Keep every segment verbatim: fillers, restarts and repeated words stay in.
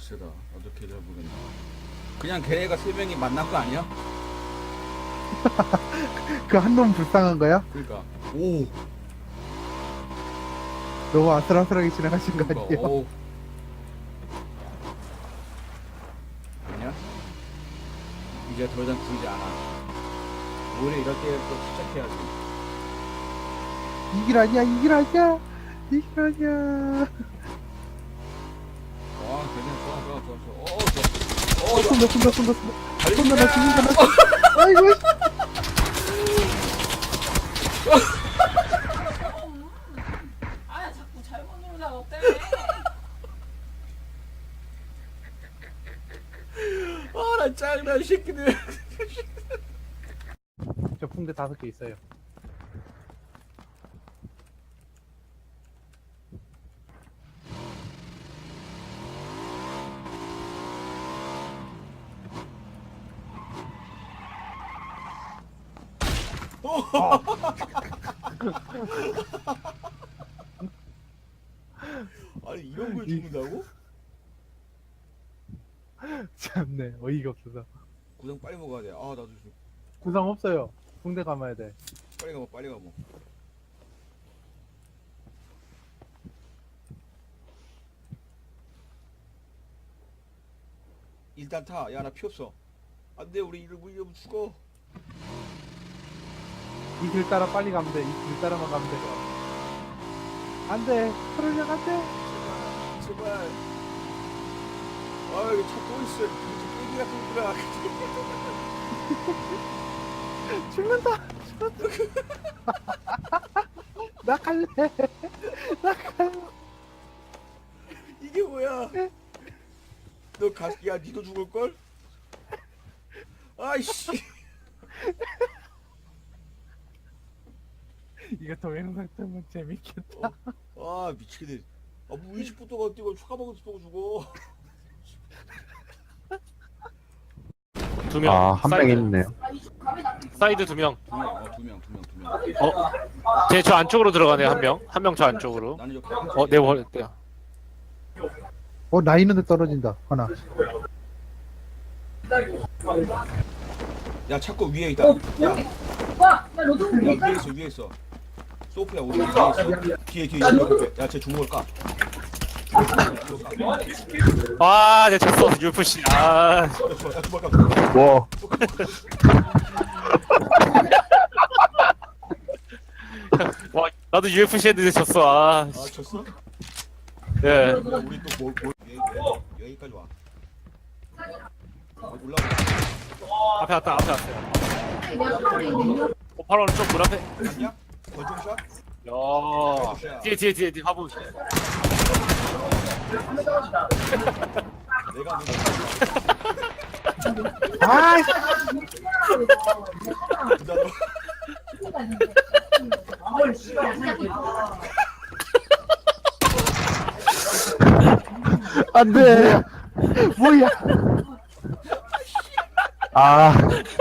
세다. 어떻게 잘 모르겠네. 그냥 걔네가 세 명이 만난 거 아니야? 그 한 놈 불쌍한 거야? 그러니까 오 너무 아슬아슬하게 진행하신 거 그러니까 아니에요? 오 아니야? 이제 더 이상 부르지 않아. 오히려 이럴 때부터 시작해야지. 이길 아니야, 이길 아니야, 이길 아니야. 와 괜찮아. 좋아 좋아 좋아 좋아. 어 좋아. 어 좋아. 손다, 손다, 손다, 손다. 손다, 나 죽는다, 나 죽는다. 아이고. 아 자꾸 잘못 누르다가 어때? 아나 짱나 이 새끼들. 저 붕대 다섯 개 있어요. 아니 이런 걸 죽는다고? 참네, 어이가 없어서. 구상 빨리 먹어야 돼. 아 나도 좀 구상 없어요. 붕대 감아야 돼. 빨리 가봐 빨리 가봐. 일단 타. 야 나 피 없어. 안돼 우리 이러고 이러면 죽어. 이 길 따라 빨리 가면 돼. 이 길 따라만 가면 돼. 안 돼. 트롤려 안 돼. 제발. 아 여기 차 또 있어. 깨기 같은 거라. 죽는다. 죽는다. 나 갈래. 나 갈래. 이게 뭐야? 너 가, 야 니도 죽을 걸? 아이씨. 이거 동영상 뜨면 재밌겠다. 어, 아 미치겠네. 아뭐 이십 분 동안 뛰고 추가 먹을 또 죽어. 두 명. 아, 한 명 사이드. 있네요. 사이드 두 명. 두 명, 어, 두 명, 두 명, 두 명. 어? 제 저 안쪽으로 들어가네 한 명. 한 명 저 안쪽으로. 나는 이렇게. 어, 내 월. 네. 어, 나 있는데 떨어진다. 하나. 야 찾고 위에 있다. 야, 와, 야 너도 야 위에 있어, 위에 있어. 소프야 우리 위에 있어. 뒤에 뒤에 뒤에. 야쟤 주먹을 까. 아, 내 졌어. 유에프씨. 아. 야 주먹 까. 와, 와, 나도 유에프씨 했는데 졌어. 아. 아 졌어? 예. 야, 우리 또뭐 뭐 여기 여기까지 와. 올라가. 앞에 왔다. 앞에 왔어요. 어, 바로 좀 문 앞에. 맞냐? 권총샷? 야. 뒤에 뒤에 뒤에 뒤에 화분. 내가 뭐 아, 부자로. 안 돼. 뭐야? 아,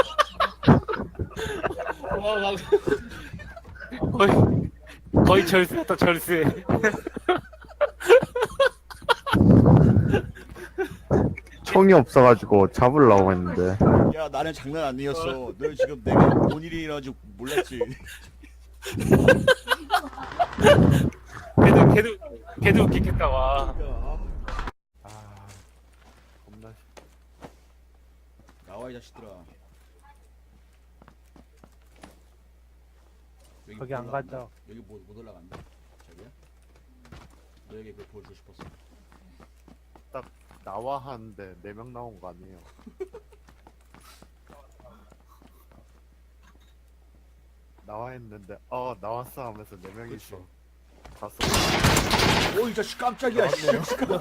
와, 막 거의 거의 절수였다 절수. 총이 없어가지고 잡으려고 했는데. 야 나는 장난 아니었어. 너 지금 내가 뭔 일이 일어나지 몰랐지. 걔도 걔도 걔도 웃기겠다 와. 아, 겁나. 나와 이 자식들아. 여기 거기 못 안 올라간다. 가죠. 여기 못, 못 올라간다. 자기야. 너에게 그걸 보여주고 싶었어. 나와 하는데 네 명 나온 거 아니에요? 나와 했는데 어 나왔어 하면서 네 명이서 갔어. 오 이 자식 깜짝이야. 씨.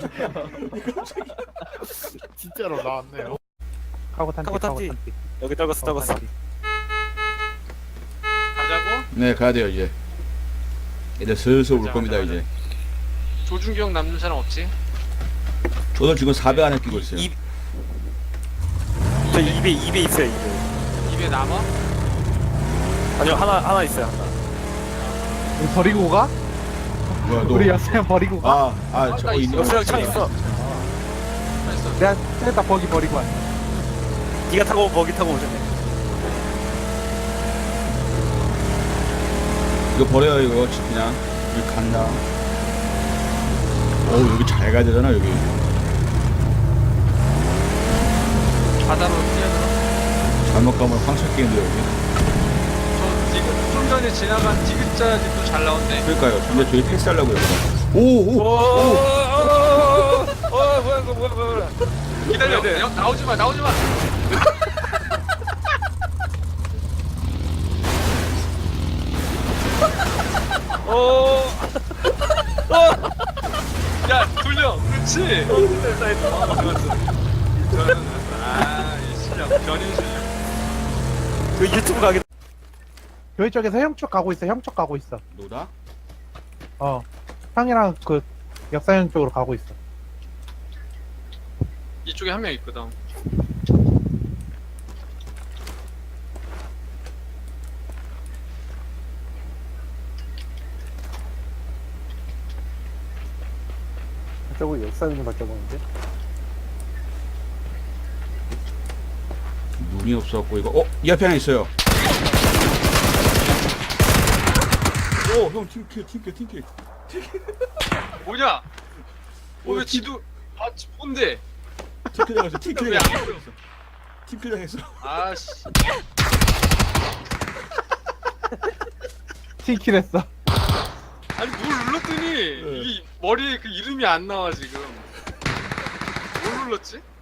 진짜로 나왔네요. 카고 탄티, 카고 탄티. 탄티. 여기 떨궜어 카고 떨궜어. 탄티. 가자고? 네 가야 돼요 이제. 이제 슬슬 올 가자, 겁니다 가자, 이제. 조준경 남는 사람 없지? 저도 지금 사백 안에 끼고 있어요. 이- 저 입에 입에 있어요 입에. 입에 남아? 아니요 하나 하나 있어요 하나. 우리 버리고 가? 뭐야 너? 우리 여수형 버리고 가? 아아 저거 있네. 여수형 차 있어. 있어. 내가 쟤다 버기 버리고 왔어. 니가 타고 버기 타고 오셨네. 이거 버려요 이거 그냥 여기 간다. 어우 여기 잘 가야 되잖아 여기. 바다로 뛰어들어. 잘못 가면 황철 게임도 여기. 저 지금 좀 전에 지나간 디귿자 집도 잘 나온대. 그러니까요. 근데 저희 패스하려고 여기. 오오 오. 어 뭐야 이거 뭐야 뭐야 뭐야. 기다려. 나, 나오지 마, 나오지 마. 어. 야, 돌려. 그렇지. 됐다 됐다. 어, 좋았어. 좋았어. 아, 이 실력, 견인 실력. 그 유튜브 가게. 교회 쪽에서 형 쪽 가고 있어. 형 쪽 가고 있어. 노다? 어. 형이랑 그 역사형 쪽으로 가고 있어. 이쪽에 한 명 있거든. 저거 역사형 바꿔보는데? 눈이 없어갖고 이거. 어? 이 앞에 하나 있어요. 오형 팀킬 팀킬 팀킬. 뭐냐? 어, 왜 어, 지도, 아, 지- 뭔데? 팀킬 당했어. 팀킬 왜안 당했어. 보여? 팀킬 당했어. 아씨. 칠킬 했어. 아니, 뭘 눌렀더니, 이게 머리에 그 이름이 안 나와, 지금. 뭘 눌렀지?